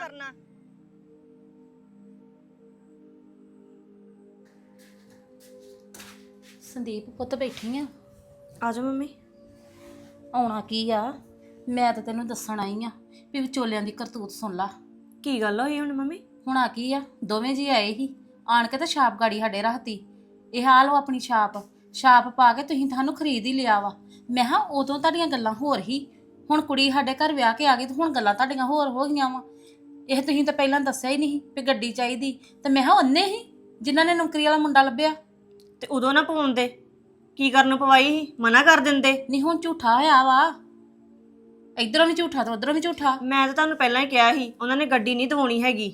[SPEAKER 2] ਸੰਦੀਪ ਪੁੱਤ ਬੈਠੀ ਆ।
[SPEAKER 6] ਆ ਜਾਓ ਮੰਮੀ।
[SPEAKER 2] ਆਉਣਾ ਕੀ ਆ, ਮੈਂ ਤਾਂ ਤੈਨੂੰ ਦੱਸਣ ਆਈ ਆ ਵੀ ਵਿਚੋਲਿਆਂ ਦੀ ਕਰਤੂਤ ਸੁਣ ਲਾ।
[SPEAKER 6] ਕੀ ਗੱਲ ਹੋਈ ਹੁਣ ਮੰਮੀ?
[SPEAKER 2] ਹੁਣ ਆ ਕੀ ਆ, ਦੋਵੇਂ ਜੀ ਆਏ ਹੀ ਆਣ ਕੇ ਤਾਂ ਛਾਪ ਗਾੜੀ ਸਾਡੇ ਰੱਖਤੀ। ਇਹ ਹਾਲ ਉਹ ਆਪਣੀ ਛਾਪ ਛਾਪ ਪਾ ਕੇ ਤੁਸੀਂ ਤੁਹਾਨੂੰ ਖਰੀਦ ਹੀ ਲਿਆ ਵਾ। ਮੈਂ ਹਾਂ ਉਦੋਂ ਤੁਹਾਡੀਆਂ ਗੱਲਾਂ ਹੋਰ ਹੀ, ਹੁਣ ਕੁੜੀ ਸਾਡੇ ਘਰ ਵਿਆਹ ਕੇ ਆ ਗਈ ਤੇ ਹੁਣ ਗੱਲਾਂ ਤੁਹਾਡੀਆਂ ਹੋਰ ਹੋ ਗਈਆਂ ਵਾ। ਇਹ ਤੁਸੀਂ ਤਾਂ ਪਹਿਲਾਂ ਦੱਸਿਆ ਹੀ ਨਹੀਂ ਵੀ ਗੱਡੀ ਚਾਹੀਦੀ, ਤੇ ਮੈਂ ਹਾਂ ਉਹਨੇ ਹੀ ਜਿਨ੍ਹਾਂ ਨੇ ਨੌਕਰੀ ਵਾਲਾ ਮੁੰਡਾ ਲੱਭਿਆ।
[SPEAKER 8] ਤੇ ਉਦੋਂ ਨਾ ਪਾਉਂਦੇ, ਕੀ ਕਰਨ ਨੂੰ ਪਵਾਈ ਸੀ? ਮਨਾ ਕਰ ਦਿੰਦੇ।
[SPEAKER 2] ਨਹੀਂ ਹੁਣ ਝੂਠਾ ਹੋਇਆ ਵਾ, ਇਧਰੋਂ ਵੀ ਝੂਠਾ ਤੇ ਉਧਰੋਂ ਵੀ ਝੂਠਾ।
[SPEAKER 8] ਮੈਂ ਤਾਂ ਤੁਹਾਨੂੰ ਪਹਿਲਾਂ ਹੀ ਕਿਹਾ ਸੀ ਉਹਨਾਂ ਨੇ ਗੱਡੀ ਨਹੀਂ ਦਵਾਉਣੀ ਹੈਗੀ।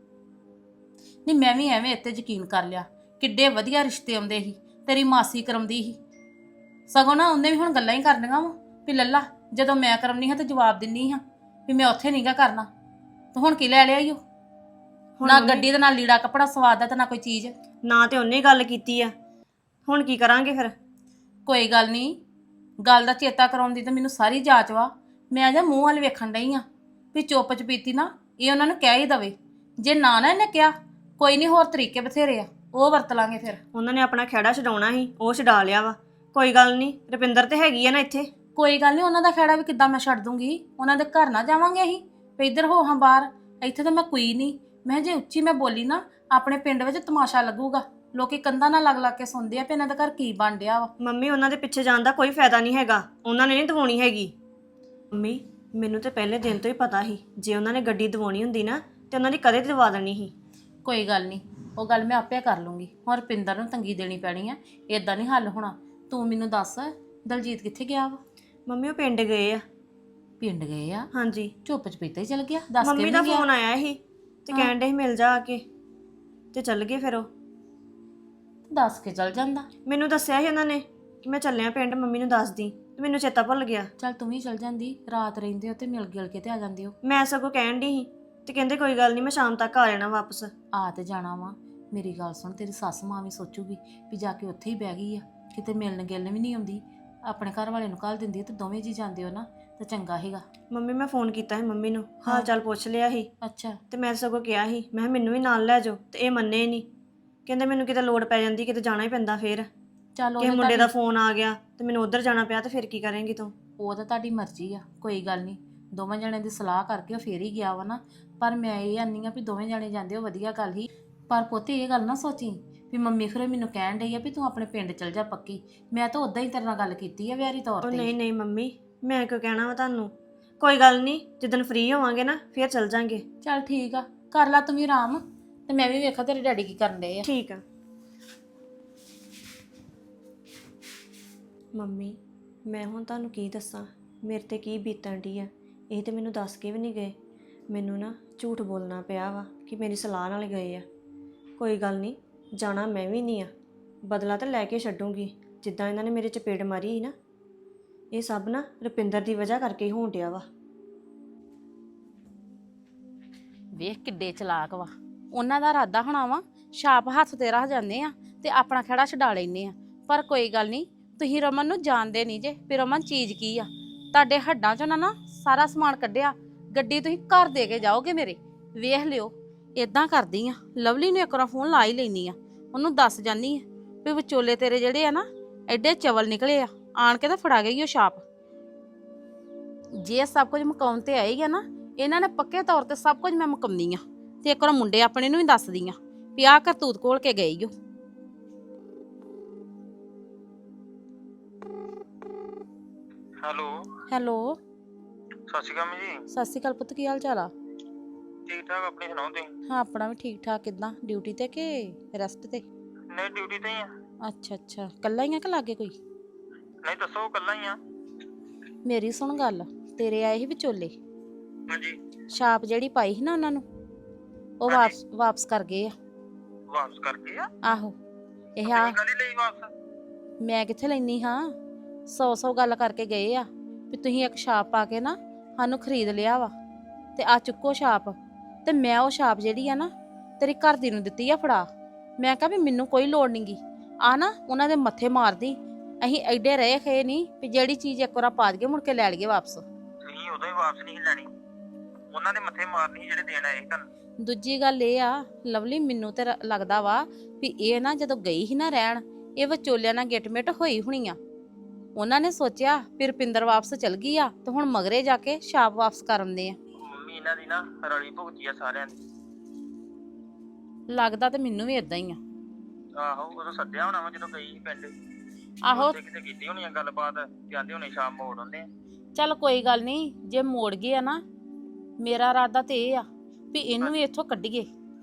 [SPEAKER 2] ਨਹੀਂ ਮੈਂ ਵੀ ਐਵੇਂ ਇੱਥੇ ਯਕੀਨ ਕਰ ਲਿਆ, ਕਿੱਡੇ ਵਧੀਆ ਰਿਸ਼ਤੇ ਆਉਂਦੇ ਸੀ, ਤੇਰੀ ਮਾਸੀ ਕਰਮਦੀ ਸੀ। ਸਗੋਂ ਨਾ ਉਹਨੇ ਵੀ ਹੁਣ ਗੱਲਾਂ ਹੀ ਕਰਨੀਆਂ ਵਾ ਵੀ ਲੱਲਾ ਜਦੋਂ ਮੈਂ ਕਰਮਨੀ ਹਾਂ ਤੇ ਜਵਾਬ ਦਿੰਨੀ ਹਾਂ ਵੀ ਮੈਂ ਉੱਥੇ ਨਹੀਂਗਾ ਕਰਨਾ। ਤੇ ਹੁਣ ਕੀ ਲੈ ਲਿਆ ਈ ਉਹ? ਨਾ ਗੱਡੀ ਦੇ ਨਾਲ ਲੀੜਾ ਕੱਪੜਾ ਸਵਾਦ ਦਾ ਤੇ ਨਾ ਕੋਈ ਚੀਜ਼।
[SPEAKER 8] ਨਾ ਤੇ ਉਹਨੇ ਗੱਲ ਕੀਤੀ ਆ, ਹੁਣ ਕੀ ਕਰਾਂਗੇ ਫਿਰ?
[SPEAKER 2] ਕੋਈ ਗੱਲ ਨਹੀਂ, ਗੱਲ ਦਾ ਚੇਤਾ ਕਰਾਉਂਦੀ ਤੇ ਮੈਨੂੰ ਸਾਰੀ ਜਾਂਚ ਵਾ। ਮੈਂ ਅਜਾ ਮੂੰਹ ਵੱਲ ਵੇਖਣ ਡਈ ਆ ਵੀ ਚੁੱਪ ਚਪੀਤੀ ਨਾ ਇਹ ਉਹਨਾਂ ਨੂੰ ਕਹਿ ਹੀ ਦਵੇ। ਜੇ ਨਾ ਨਾ ਇਹਨੇ ਕਿਹਾ ਕੋਈ ਨਹੀਂ, ਹੋਰ ਤਰੀਕੇ ਬਥੇਰੇ ਆ, ਉਹ ਵਰਤ ਲਾਂਗੇ ਫਿਰ।
[SPEAKER 8] ਉਹਨਾਂ ਨੇ ਆਪਣਾ ਖਹਿੜਾ ਛਡਾਉਣਾ ਸੀ, ਉਹ ਛਡਾ ਲਿਆ ਵਾ। ਕੋਈ ਗੱਲ ਨਹੀਂ, ਰੁਪਿੰਦਰ ਤੇ ਹੈਗੀ ਆ ਨਾ ਇੱਥੇ।
[SPEAKER 2] ਕੋਈ ਗੱਲ ਨਹੀਂ, ਉਹਨਾਂ ਦਾ ਖਹਿੜਾ ਵੀ ਕਿੱਦਾਂ ਮੈਂ ਛੱਡ ਦੂੰਗੀ। ਉਹਨਾਂ ਦੇ ਘਰ ਨਾ ਜਾਵਾਂਗੇ ਅਸੀਂ ਵੀ ਇੱਧਰ ਹੋ ਹਾਂ ਬਾਹਰ। ਇੱਥੇ ਤਾਂ ਮੈਂ ਕੋਈ ਨਹੀਂ। ਮੈਂ ਜੇ ਉੱਚੀ ਮੈਂ ਬੋਲੀ ਨਾ ਆਪਣੇ ਪਿੰਡ ਵਿੱਚ ਤਮਾਸ਼ਾ ਲੱਗੂਗਾ। ਲੋਕੀ ਕੰਧਾਂ ਨਾਲ ਲੱਗ ਲੱਗ ਕੇ ਸੁਣਦੇ ਆ ਵੀ ਇਹਨਾਂ ਦਾ ਘਰ ਕੀ ਬਣ ਡਿਆ ਵਾ।
[SPEAKER 8] ਮੰਮੀ ਉਹਨਾਂ ਦੇ ਪਿੱਛੇ ਜਾਣ ਦਾ ਕੋਈ ਫਾਇਦਾ ਨਹੀਂ ਹੈਗਾ, ਉਹਨਾਂ ਨੇ ਨਹੀਂ ਦਵਾਉਣੀ ਹੈਗੀ। ਮੰਮੀ ਮੈਨੂੰ ਤੇ ਪਹਿਲੇ ਦਿਨ ਤੋਂ ਹੀ ਪਤਾ ਸੀ ਜੇ ਉਹਨਾਂ ਨੇ ਗੱਡੀ ਦਵਾਉਣੀ ਹੁੰਦੀ ਨਾ ਤੇ ਉਹਨਾਂ ਦੀ ਕਦੇ ਦਵਾ ਦੇਣੀ ਸੀ।
[SPEAKER 2] ਕੋਈ ਗੱਲ ਨਹੀਂ, ਉਹ ਗੱਲ ਮੈਂ ਆਪੇ ਕਰ ਲੂੰਗੀ। ਹੁਣ ਰੁਪਿੰਦਰ ਨੂੰ ਤੰਗੀ ਦੇਣੀ ਪੈਣੀ ਆ, ਇਦਾਂ ਨਹੀਂ ਹੱਲ ਹੋਣਾ। ਤੂੰ ਮੈਨੂੰ ਦੱਸ ਦਲਜੀਤ ਕਿੱਥੇ ਗਿਆ ਵਾ?
[SPEAKER 8] ਮੰਮੀ ਉਹ ਪਿੰਡ ਗਏ ਆ।
[SPEAKER 2] ਪਿੰਡ ਗਏ ਆ?
[SPEAKER 8] ਹਾਂਜੀ।
[SPEAKER 2] ਚੁੱਪ ਚਪੀਤਾ ਹੀ ਚਲ ਗਿਆ, ਦੱਸ ਕੇ
[SPEAKER 8] ਮੰਮੀ
[SPEAKER 2] ਵੀ
[SPEAKER 8] ਦਾ
[SPEAKER 2] ਨਹੀਂ ਗਿਆ।
[SPEAKER 8] ਫੋਨ ਆਇਆ ਸੀ ਤੇ ਕਹਿਣ ਦੇ ਮਿਲ ਜਾ ਆ ਕੇ, ਤੇ ਚੱਲ ਗਏ ਫਿਰ ਉਹ।
[SPEAKER 2] ਦੱਸ ਕੇ ਚਲ ਜਾਂਦਾ।
[SPEAKER 8] ਮੈਨੂੰ ਦੱਸਿਆ ਸੀ ਉਹਨਾਂ ਨੇ ਕਿ ਮੈਂ ਚੱਲਿਆ ਪਿੰਡ, ਮੰਮੀ ਨੂੰ ਦੱਸ ਦੀ, ਤੇ ਮੈਨੂੰ ਚੇਤਾ ਭੁੱਲ ਗਿਆ।
[SPEAKER 2] ਚੱਲ ਤੂੰ ਵੀ ਚਲ ਜਾਂਦੀ, ਰਾਤ ਰਹਿੰਦੇ ਹੋ ਤੇ ਮਿਲ ਗਿਲ ਕੇ ਤੇ ਆ ਜਾਂਦੇ ਹੋ।
[SPEAKER 8] ਮੈਂ ਸਗੋਂ ਕਹਿਣ ਦੀ ਸੀ ਤੇ ਕਹਿੰਦੇ ਕੋਈ ਗੱਲ ਨਹੀਂ ਮੈਂ ਸ਼ਾਮ ਤੱਕ ਆ ਜਾਣਾ ਵਾਪਸ।
[SPEAKER 2] ਆ ਤੇ ਜਾਣਾ ਵਾ। ਮੇਰੀ ਗੱਲ ਸੁਣ, ਤੇਰੀ ਸੱਸ ਮਾਂ ਵੀ ਸੋਚੂਗੀ ਵੀ ਜਾ ਕੇ ਉੱਥੇ ਹੀ ਬਹਿ ਗਈ ਆ, ਕਿਤੇ ਮਿਲਣ ਗਿਲਣ ਵੀ ਨਹੀਂ ਆਉਂਦੀ। ਆਪਣੇ ਘਰ ਵਾਲੇ ਨੂੰ ਘੱਲ ਦਿੰਦੀ ਤੇ ਦੋਵੇਂ ਜੀ ਜਾਂਦੇ ਹੋ ਨਾ ਤਾਂ ਚੰਗਾ ਹੈਗਾ।
[SPEAKER 8] ਮੰਮੀ ਮੈਂ ਫੋਨ ਕੀਤਾ ਸੀ ਮੰਮੀ ਨੂੰ, ਹਾਲ ਚਾਲ ਪੁੱਛ ਲਿਆ ਸੀ।
[SPEAKER 2] ਅੱਛਾ।
[SPEAKER 8] ਤੇ ਮੈਂ ਸਗੋਂ ਕਿਹਾ ਸੀ ਮੈਂ ਕਿਹਾ ਮੈਨੂੰ ਵੀ ਨਾਲ ਲੈ ਜਾਓ, ਤੇ ਇਹ ਮੰਨੇ ਨਹੀਂ। ਕਹਿੰਦੇ ਮੈਨੂੰ ਕਿਤੇ ਲੋੜ ਪੈ ਜਾਂਦੀ, ਕਿਤੇ ਜਾਣਾ ਹੀ ਪੈਂਦਾ। ਫਿਰ
[SPEAKER 2] ਚੱਲ ਉਹ
[SPEAKER 8] ਕਿਸੇ
[SPEAKER 2] ਤਾਂ
[SPEAKER 8] ਮੁੰਡੇ ਦਾ
[SPEAKER 2] ਤੁਹਾਡੀ-
[SPEAKER 8] ਫੋਨ ਆ ਗਿਆ ਤੇ ਮੈਨੂੰ ਉੱਧਰ ਜਾਣਾ ਪਿਆ, ਤੇ ਫਿਰ ਕੀ ਕਰੇਂਗੀ ਤੂੰ?
[SPEAKER 2] ਉਹ ਤਾਂ ਤੁਹਾਡੀ ਮਰਜ਼ੀ ਆ, ਕੋਈ ਗੱਲ ਨਹੀਂ। ਦੋਵਾਂ ਜਣਿਆਂ ਦੀ ਸਲਾਹ ਕਰਕੇ ਉਹ ਫੇਰ ਹੀ ਗਿਆ ਵਾ ਨਾ। ਪਰ ਮੈਂ ਇਹ ਆਨੀ ਆ ਵੀ ਦੋਵੇਂ ਜਣੇ ਜਾਂਦੇ ਹੋ ਵਧੀਆ ਗੱਲ ਹੀ। ਪਰ ਪੁੱਤ ਇਹ ਗੱਲ ਨਾ ਸੋਚੀ ਵੀ ਮੰਮੀ ਫਿਰ ਮੈਨੂੰ ਕਹਿਣ ਡਈ ਆ ਵੀ ਤੂੰ ਆਪਣੇ ਪਿੰਡ ਚਲ ਜਾ ਪੱਕੀ। ਮੈਂ ਤਾਂ ਉਦਾਂ ਹੀ ਤੇਰੇ ਨਾਲ ਗੱਲ ਕੀਤੀ ਆ ਵਿਆਰੀ ਤੌਰ
[SPEAKER 8] ਉਹ
[SPEAKER 2] ਤੇ।
[SPEAKER 8] ਨਹੀਂ ਨਹੀਂ ਮੰਮੀ, ਮੈਂ ਕਿਉਂ ਕਹਿਣਾ ਵਾ ਤੁਹਾਨੂੰ? ਕੋਈ ਗੱਲ ਨਹੀਂ, ਜਿੱਦਣ ਫ੍ਰੀ ਹੋਵਾਂਗੇ ਨਾ ਫਿਰ ਚੱਲ ਜਾਾਂਗੇ।
[SPEAKER 2] ਚੱਲ ਠੀਕ ਆ, ਕਰ ਲੈ ਤੂੰ ਵੀ ਆਰਾਮ, ਤੇ ਮੈਂ ਵੀ ਵੇਖਾਂ ਤੇਰੇ ਡੈਡੀ ਕੀ ਕਰਨ ਡਏ ਆ।
[SPEAKER 8] ਠੀਕ ਆ। ਮੰਮੀ ਮੈਂ ਹੁਣ ਤੁਹਾਨੂੰ ਕੀ ਦੱਸਾਂ, ਮੇਰੇ ਤੇ ਕੀ ਬੀਤਣ ਡਈ ਆ। ਇਹ ਤੇ ਮੈਨੂੰ ਦੱਸ ਕੇ ਵੀ ਨਹੀਂ ਗਏ। ਮੈਨੂੰ ਨਾ ਝੂਠ ਬੋਲਣਾ ਪਿਆ ਵਾ ਕਿ ਮੇਰੀ ਸਲਾਹ ਨਾਲ ਗਏ ਆ। ਕੋਈ ਗੱਲ ਨਹੀਂ, ਜਾਣਾ ਮੈਂ ਵੀ ਨਹੀਂ ਆ, ਬਦਲਾ ਤਾਂ ਲੈ ਕੇ ਛੱਡੂੰਗੀ। ਜਿੱਦਾਂ ਇਹਨਾਂ ਨੇ ਮੇਰੇ ਚਪੇੜ ਮਾਰੀ ਸੀ ਨਾ, ਇਹ ਸਭ ਨਾ ਰੁਪਿੰਦਰ ਦੀ ਵਜ੍ਹਾ ਕਰਕੇ ਹੀ ਹੋਣ ਡਿਆ ਵਾ।
[SPEAKER 2] ਵੇਖ ਕਿੱਡੇ ਚਲਾਕ ਵਾ। ਉਹਨਾਂ ਦਾ ਇਰਾਦਾ ਹੋਣਾ ਵਾ ਛਾਪ ਹੱਥ ਤੇ ਰੱਖ ਜਾਂਦੇ ਆ ਤੇ ਆਪਣਾ ਖੜਾ ਛਡਾ ਲੈਨੇ ਆ। ਪਰ ਕੋਈ ਗੱਲ ਨਹੀਂ, ਤੁਸੀਂ ਰਮਨ ਨੂੰ ਜਾਣਦੇ ਨਹੀਂ ਜੇ ਵੀ ਰਮਨ ਚੀਜ਼ ਕੀ ਆ। ਤੁਹਾਡੇ ਹੱਡਾਂ ਚੋਂ ਨਾ ਨਾ ਸਾਰਾ ਸਮਾਨ ਕੱਢਿਆ। ਗੱਡੀ ਤੁਸੀਂ ਘਰ ਦੇ ਕੇ ਜਾਓਗੇ ਮੇਰੇ, ਵੇਖ ਲਿਓ। ਇਦਾਂ ਕਰਦੀ ਆ, ਲਵਲੀ ਨੂੰ ਇੱਕ ਵਾਰ ਫੋਨ ਲਾ ਹੀ ਲੈਣੀ ਆ, ਉਹਨੂੰ ਦੱਸ ਜਾਨੀ ਆ ਵੀ ਵਿਚੋਲੇ ਤੇਰੇ ਜਿਹੜੇ ਆ ਨਾ ਐਡੇ ਚਵਲ ਨਿਕਲੇ ਆ, ਆਣ ਕੇ ਤਾਂ ਫੜਾ ਗਈ ਉਹ ਛਾਪ। ਜੇ ਸਭ ਕੁਝ ਮੁਕਾਉਣ ਤੇ ਆਏਗਾ ਨਾ, ਇਹਨਾਂ ਨੇ ਪੱਕੇ ਤੌਰ ਤੇ ਸਭ ਕੁਝ ਮੈਂ ਮੁਕਾਉਣੀ ਆ। ਤੇ ਇੱਕ ਵਾਰ ਮੁੰਡੇ ਆਪਣੇ ਨੂੰ ਵੀ ਦੱਸਦੀ ਆ ਵੀ ਆਹ ਕਰਤੂਤ ਕੋਲ ਕੇ ਗਈ ਓ।
[SPEAKER 9] ਹੈਲੋ
[SPEAKER 2] ਹੈਲੋ,
[SPEAKER 9] ਸਤਿ ਸ਼੍ਰੀ ਅਕਾਲ ਜੀ।
[SPEAKER 2] ਸਤਿ ਸ਼੍ਰੀ ਅਕਾਲ ਪੁੱਤ, ਕੀ ਹਾਲ ਚਾਲ ਆ?
[SPEAKER 9] ਠੀਕ ਠਾਕ, ਆਪਣੀ ਸੁਣਾਓ ਤੁਸੀਂ?
[SPEAKER 2] ਹਾਂ ਆਪਣਾ ਵੀ ਠੀਕ ਠਾਕ। ਕਿੱਦਾਂ, ਡਿਊਟੀ ਤੇ ਕਿ ਰੈਸਟ ਤੇ?
[SPEAKER 9] ਨਹੀਂ ਡਿਊਟੀ ਤੇ ਹੀ ਆ।
[SPEAKER 2] ਅੱਛਾ ਅੱਛਾ, ਕੱਲਾ ਹੀ ਆ ਕਿ ਲਾਗੇ ਕੋਈ?
[SPEAKER 9] ਨਹੀਂ ਦੱਸੋ, ਕੱਲਾ ਹੀ ਆ।
[SPEAKER 2] ਮੇਰੀ ਸੁਣ ਗੱਲ, ਤੇਰੇ ਆਏ ਸੀ ਵਿਚੋਲੇ,
[SPEAKER 9] ਹਾਂਜੀ।
[SPEAKER 2] ਛਾਪ ਜਿਹੜੀ ਪਾਈ ਸੀ ਨਾ ਉਹਨਾਂ ਨੂੰ, ਉਹ ਵਾਪਸ ਵਾਪਸ ਕਰ ਗਏ ਆ।
[SPEAKER 9] ਵਾਪਸ ਕਰ ਗਏ ਆ?
[SPEAKER 2] ਆਹੋ। ਇਹ ਆ,
[SPEAKER 9] ਗੱਲ ਹੀ ਲਈ ਵਾਪਸ?
[SPEAKER 2] ਮੈਂ ਕਿੱਥੇ ਲੈਣੀ ਹਾਂ, ਸੌ ਸੌ ਗੱਲ ਕਰਕੇ ਗਏ ਆ ਵੀ ਤੁਸੀਂ ਇੱਕ ਛਾਪ ਪਾ ਕੇ ਨਾ ਸਾਨੂੰ ਖਰੀਦ ਲਿਆ ਵਾ, ਤੇ ਆ ਚੁੱਕੋ ਛਾਪ। ਤੇ ਮੈਂ ਉਹ ਛਾਪ ਜਿਹੜੀ ਆ ਨਾ ਤੇਰੀ ਘਰ ਦੀ ਨੂੰ ਦਿੱਤੀ ਆ ਫੜਾ। ਮੈਂ ਕਿਹਾ ਵੀ ਮੈਨੂੰ ਕੋਈ ਲੋੜ ਨਹੀਂਗੀ ਆ ਨਾ ਉਹਨਾਂ ਦੇ ਮੱਥੇ ਮਾਰਦੀ। ਅਸੀਂ ਐਡੇ ਰਹੇ ਖੇ ਨਹੀਂ ਵੀ ਜਿਹੜੀ ਚੀਜ਼ ਇੱਕ ਵਾਰ ਪਾ ਦਈਏ ਮੁੜ ਕੇ ਲੈ ਲਈਏ ਵਾਪਸ।
[SPEAKER 9] ਤੁਸੀਂ ਉਦੋਂ ਹੀ ਵਾਪਸ ਨਹੀਂ ਸੀ ਲੈਣੀ, ਉਹਨਾਂ ਦੇ ਮੱਥੇ ਮਾਰਨੀ ਸੀ ਜਿਹੜੇ ਦੇਣ ਆਏ ਸੀ ਤੁਹਾਨੂੰ।
[SPEAKER 2] ਦੂਜੀ ਗੱਲ ਇਹ ਆ ਲਵਲੀ, ਮੈਨੂੰ ਤੇ ਰ- ਲੱਗਦਾ ਵਾ ਵੀ ਇਹ ਨਾ ਜਦੋਂ ਗਈ ਸੀ ਨਾ ਰਹਿਣ, ਇਹ ਵਿਚੋਲਿਆਂ ਨਾਲ ਗਿੱਟਮਿੱਟ ਹੋਈ ਹੋਣੀ ਆ। ਉਹਨਾਂ ਨੇ ਸੋਚਿਆ ਵੀ ਰੁਪਿੰਦਰ ਵਾਪਸ ਚਲ ਗਈ ਆ ਤੇ ਹੁਣ ਮਗਰੇ ਜਾ ਕੇ ਛਾਪ ਵਾਪਸ ਕਰ ਆਉਂਦੇ ਆ।
[SPEAKER 9] ਮੰਮੀ ਇਹਨਾਂ ਦੀ ਨਾ ਰਲੀ ਭੁਗਤੀ ਆ ਸਾਰਿਆਂ ਦੀ।
[SPEAKER 2] ਲੱਗਦਾ ਤੇ ਮੈਨੂੰ ਵੀ ਇਦਾਂ ਹੀ ਆ।
[SPEAKER 9] ਆਹੋ ਉਦੋਂ ਸੱਦਿਆ ਹੋਣਾ ਵਾ ਜਦੋਂ ਗਈ ਸੀ ਪਿੰਡ।
[SPEAKER 2] ਆਹੋ
[SPEAKER 9] ਉੱਥੇ ਕਿਤੇ ਕੀਤੀ ਹੋਣੀ ਆ ਗੱਲਬਾਤ, ਜਾਂਦੇ ਹੋਣੇ ਸ਼ਾਮ ਮੋੜ ਆਉਂਦੇ ਆ।
[SPEAKER 2] ਚੱਲ ਕੋਈ ਗੱਲ ਨਹੀਂ, ਜੇ ਮੋੜ ਗਏ ਆ ਨਾ, ਮੇਰਾ ਇਰਾਦਾ ਤੇ ਇਹ ਆ ਵੀ ਇਹਨੂੰ ਵੀ ਇੱਥੋਂ ਕੱਢੀਏ।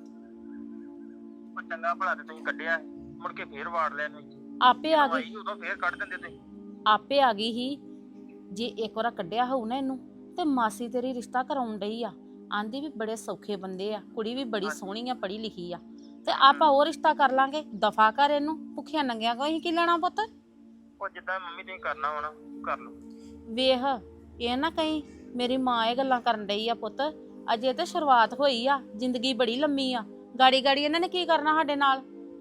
[SPEAKER 9] ਉਹ ਚੰਗਾ ਭਲਾ ਤੇ ਤੁਸੀਂ ਕੱਢਿਆ ਸੀ, ਮੁੜ ਕੇ ਫੇਰ ਵਾੜ ਲਿਆ ਤੁਸੀਂ।
[SPEAKER 2] ਆਪੇ ਆ ਗਈ,
[SPEAKER 9] ਆਈ ਉਦੋਂ ਫੇਰ ਕੱਢ ਦਿੰਦੇ ਤੁਸੀਂ।
[SPEAKER 2] ਆਪੇ ਆ ਗਈ ਹੀ। ਜੇ ਇੱਕ ਵਾਰ ਕੱਢਿਆ ਹੋਊ ਨਾ ਇਹਨੂੰ, ਤੇ ਮਾਸੀ ਤੇਰੀ ਰਿਸ਼ਤਾ ਕਰਾਉਣ ਡਈ ਆ। ਆਂਦੀ ਵੀ ਬੜੇ ਸੌਖੇ ਬੰਦੇ ਆ, ਕੁੜੀ ਵੀ ਬੜੀ ਸੋਹਣੀ ਆ, ਪੜ੍ਹੀ ਲਿਖੀ ਆ, ਤੇ ਆਪਾਂ ਉਹ ਰਿਸ਼ਤਾ ਕਰ ਲਾਂਗੇ। ਦਫਾ ਕਰ ਇਹਨੂੰ, ਭੁੱਖਿਆਂ ਨੰਗਿਆਂ ਕੋ ਅਸੀਂ ਕੀ ਲੈਣਾ ਪੁੱਤ।
[SPEAKER 9] ਉਹ ਜਿੱਦਾਂ ਮੰਮੀ ਤੁਸੀਂ ਕਰਨਾ ਹੋਣਾ ਕਰ ਲਓ।
[SPEAKER 2] ਵੇਖ ਇਹ ਨਾ ਕਹੀਂ ਮੇਰੀ ਮਾਂ ਇਹ ਗੱਲਾਂ ਕਰਨ ਡਈ ਆ ਪੁੱਤ, ਅਜੇ ਤੇ ਸ਼ੁਰੂਆਤ ਹੋਈ ਆ, ਜ਼ਿੰਦਗੀ ਬੜੀ ਲੰਮੀ ਆ। ਗਾੜੀ ਗਾੜੀ ਇਹਨਾਂ ਨੇ ਕੀ ਕਰਨਾ ਸਾਡੇ ਨਾਲ।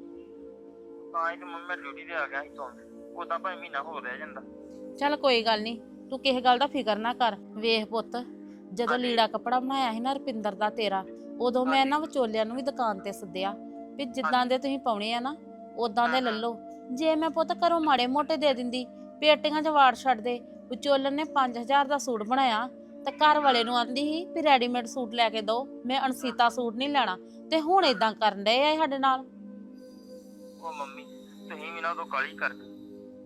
[SPEAKER 9] ਤਾਂ ਹੀ ਤੇ ਮੰਮੀ ਮੈਂ ਡਿਊਟੀ ਤੇ ਆ ਗਿਆ ਸੀ ਤੋਂ, ਉਦਾਂ ਭਾਵੇਂ ਮਹੀਨਾ ਹੋ ਰਹਿ ਜਾਂਦਾ।
[SPEAKER 2] ਚੱਲ ਕੋਈ ਗੱਲ ਨਹੀਂ, ਤੂੰ ਕਿਸੇ ਗੱਲ ਦਾ ਫਿਕਰ ਨਾ ਕਰ। ਵੇਖ ਪੁੱਤ, ਜਦੋਂ ਲੀੜਾ ਕੱਪੜਾ ਬਣਾਇਆ ਸੀ ਨਾ ਰੁਪਿੰਦਰ ਦਾ ਤੇਰਾ, ਉਦੋਂ ਮੈਂ ਇਹਨਾਂ ਵਿਚੋਲਿਆਂ ਨੂੰ ਵੀ ਦੁਕਾਨ ਤੇ ਸੱਦਿਆ ਵੀ ਜਿੱਦਾਂ ਦੇ ਤੁਸੀਂ ਪਾਉਣੇ ਆ ਨਾ ਉਦਾਂ ਦੇ ਲੈ ਲਓ। ਜੇ ਮੈਂ ਪੁੱਤ ਘਰੋਂ ਮਾੜੇ ਮੋਟੇ ਦੇ ਦਿੰਦੀ, ਪੇਟੀਆਂ 'ਚ ਵਾੜ ਛੱਡਦੇ। ਵਿਚੋਲਨ ਨੇ ਪੰਜ ਹਜ਼ਾਰ ਦਾ ਸੂਟ ਬਣਾਇਆ ਤੇ ਘਰ ਵਾਲੇ ਨੂੰ ਆਂਦੀ ਸੀ ਵੀ ਰੈਡੀਮੇਡ ਸੂਟ ਲੈ ਕੇ ਦਿਓ, ਮੈਂ ਅਣਸੀਤਾ ਸੂਟ ਨਹੀਂ ਲੈਣਾ, ਤੇ ਹੁਣ ਇਦਾਂ ਕਰਨ ਡਏ ਆ ਸਾਡੇ ਨਾਲ।
[SPEAKER 9] ਉਹ ਮੰਮੀ ਤੁਸੀਂ ਵੀ ਨਾ ਉਦੋਂ ਕਾਲੀ ਕਰ ਗਏ,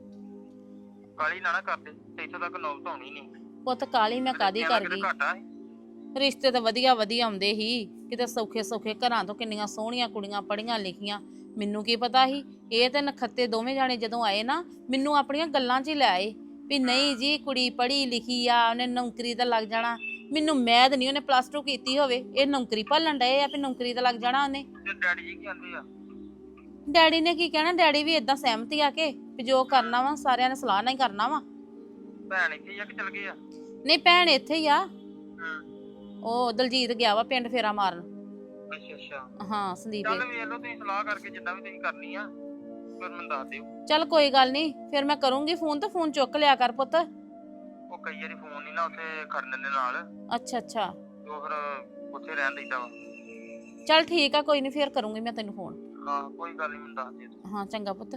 [SPEAKER 9] ਕਾਲੀ ਨਾ ਨਾ ਕਰਦੇ ਤੇ ਇੱਥੋਂ ਤੱਕ ਨੌਬਤ ਆਉਣੀ ਨਹੀਂ।
[SPEAKER 2] ਪੁੱਤ ਕਾਲੀ ਮੈਂ ਕਾਦੀ ਕਰ ਗਈ,
[SPEAKER 9] ਘਾਟਾ ਸੀ।
[SPEAKER 2] ਰਿਸ਼ਤੇ ਤਾਂ ਵਧੀਆ ਵਧੀਆ ਆਉਂਦੇ ਸੀ ਕਿਤੇ ਸੌਖੇ ਸੌਖੇ ਘਰਾਂ ਤੋਂ। ਕਿੰਨੀਆਂ ਸੋਹਣੀਆਂ ਕੁੜੀਆਂ ਪੜ੍ਹੀਆਂ ਲਿਖੀਆਂ, ਮੈਨੂੰ ਕੀ ਪਤਾ ਸੀ। ਇਹ ਤੇ ਨਖੱਤੇ ਦੋਵੇਂ ਜਾਣੇ ਜਦੋਂ ਆਏ ਨਾ, ਮੈਨੂੰ ਆਪਣੀਆਂ ਗੱਲਾਂ 'ਚ ਹੀ ਲੈ ਆਏ ਵੀ ਨਹੀਂ ਜੀ ਕੁੜੀ ਪੜ੍ਹੀ ਲਿਖੀ ਆ, ਉਹਨੇ ਨੌਕਰੀ ਤਾਂ ਲੱਗ ਜਾਣਾ। ਮੈਨੂੰ ਮੈਦ ਨਹੀਂ, ਉਹਨੇ ਪਲੱਸ ਟੂ ਕੀਤੀ ਹੋਵੇ, ਇਹ ਨੌਕਰੀ ਭਾਲਣ ਡਏ ਆ ਵੀ ਨੌਕਰੀ ਤਾਂ ਲੱਗ ਜਾਣਾ ਉਹਨੇ।
[SPEAKER 9] ਤੇ ਡੈਡੀ ਜੀ ਕੀ ਆਂਦੇ ਆ?
[SPEAKER 2] ਡੈਡੀ ਨੇ ਕੀ ਕਹਿਣਾ, ਡੈਡੀ ਵੀ ਇਦਾਂ ਸਹਿਮਤੀ ਆ ਕੇ ਵੀ ਜੋ ਕਰਨਾ ਵਾ ਸਾਰਿਆਂ ਨੇ ਸਲਾਹ ਨਾਲ ਹੀ ਕਰਨਾ ਵਾ।
[SPEAKER 9] ਭੈਣ ਇੱਥੇ ਹੀ ਆ ਕਿ ਚਲ ਗਏ ਆ?
[SPEAKER 2] ਨਹੀਂ ਭੈਣ ਇੱਥੇ ਹੀ ਆ,
[SPEAKER 9] ਹੂੰ।
[SPEAKER 2] ਉਹ ਦਲਜੀਤ ਗਿਆ ਵਾ ਪਿੰਡ ਫੇਰਾ ਮਾਰਨ।
[SPEAKER 9] ਅੱਛਾ ਅੱਛਾ,
[SPEAKER 2] ਹਾਂ ਸੰਦੀਪ।
[SPEAKER 9] ਚੱਲ ਵੇਖ ਲਓ ਤੁਸੀਂ ਸਲਾਹ ਕਰਕੇ ਜਿੱਦਾਂ ਵੀ ਤੁਸੀਂ ਕਰਨੀ ਆ, ਫਿਰ ਮੈਨੂੰ ਦੱਸ ਦਿਓ।
[SPEAKER 2] ਚੱਲ ਕੋਈ ਗੱਲ ਨਹੀਂ, ਫਿਰ ਮੈਂ ਕਰੂੰਗੀ ਫੋਨ, ਤੇ ਫੋਨ ਚੁੱਕ ਲਿਆ ਕਰ ਪੁੱਤ।
[SPEAKER 9] ਉਹ ਕਈ ਵਾਰੀ ਫੋਨ ਨਹੀਂ ਨਾ ਉੱਥੇ ਖੜਨ ਦੇ ਨਾਲ,
[SPEAKER 2] ਅੱਛਾ ਅੱਛਾ,
[SPEAKER 9] ਤੇ ਉਹ ਫਿਰ ਉੱਥੇ ਰਹਿਣ ਦਿੰਦਾ ਵਾ।
[SPEAKER 2] ਚੱਲ ਠੀਕ ਆ, ਕੋਈ ਨਹੀਂ ਫਿਰ ਕਰੂੰਗੀ ਮੈਂ ਤੈਨੂੰ ਫੋਨ।
[SPEAKER 9] ਹਾਂ ਕੋਈ ਗੱਲ ਨਹੀਂ, ਮੈਨੂੰ ਦੱਸ ਦਿਓ।
[SPEAKER 2] ਹਾਂ ਚੰਗਾ ਪੁੱਤ।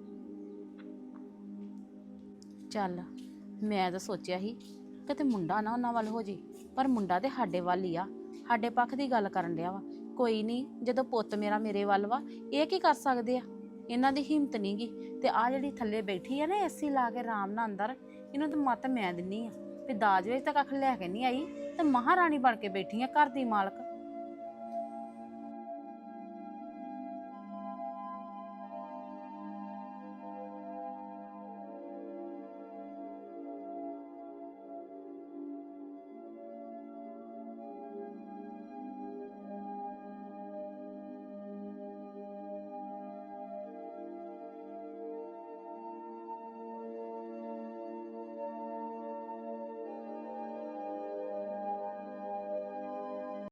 [SPEAKER 2] ਚੱਲ ਮੈਂ ਤਾਂ ਸੋਚਿਆ ਸੀ ਕਿਤੇ ਮੁੰਡਾ ਨਾ ਉਹਨਾਂ ਵੱਲ ਹੋ ਜੇ, ਪਰ ਮੁੰਡਾ ਤੇ ਸਾਡੇ ਵੱਲ ਹੀ ਆ, ਸਾਡੇ ਪੱਖ ਦੀ ਗੱਲ ਕਰਨ ਡਿਆ ਵਾ। ਕੋਈ ਨਹੀਂ, ਜਦੋਂ ਪੁੱਤ ਮੇਰਾ ਮੇਰੇ ਵੱਲ ਵਾ, ਇਹ ਕੀ ਕਰ ਸਕਦੇ ਆ, ਇਹਨਾਂ ਦੀ ਹਿੰਮਤ ਨਹੀਂ ਗੀ। ਤੇ ਆ ਜਿਹੜੀ ਥੱਲੇ ਬੈਠੀ ਆ ਨਾ ਏਸੀ ਲਾ ਕੇ ਆਰਾਮ ਨਾਲ ਅੰਦਰ, ਇਹਨੂੰ ਤਾਂ ਮੱਤ ਮੈਂ ਦਿੰਨੀ ਆ ਵੀ ਦਾਜ ਵਿੱਚ ਤਾਂ ਕੱਖ ਲੈ ਕੇ ਨਹੀਂ ਆਈ, ਤੇ ਮਹਾਰਾਣੀ ਬਣ ਕੇ ਬੈਠੀ ਆ ਘਰ ਦੀ ਮਾਲਕ।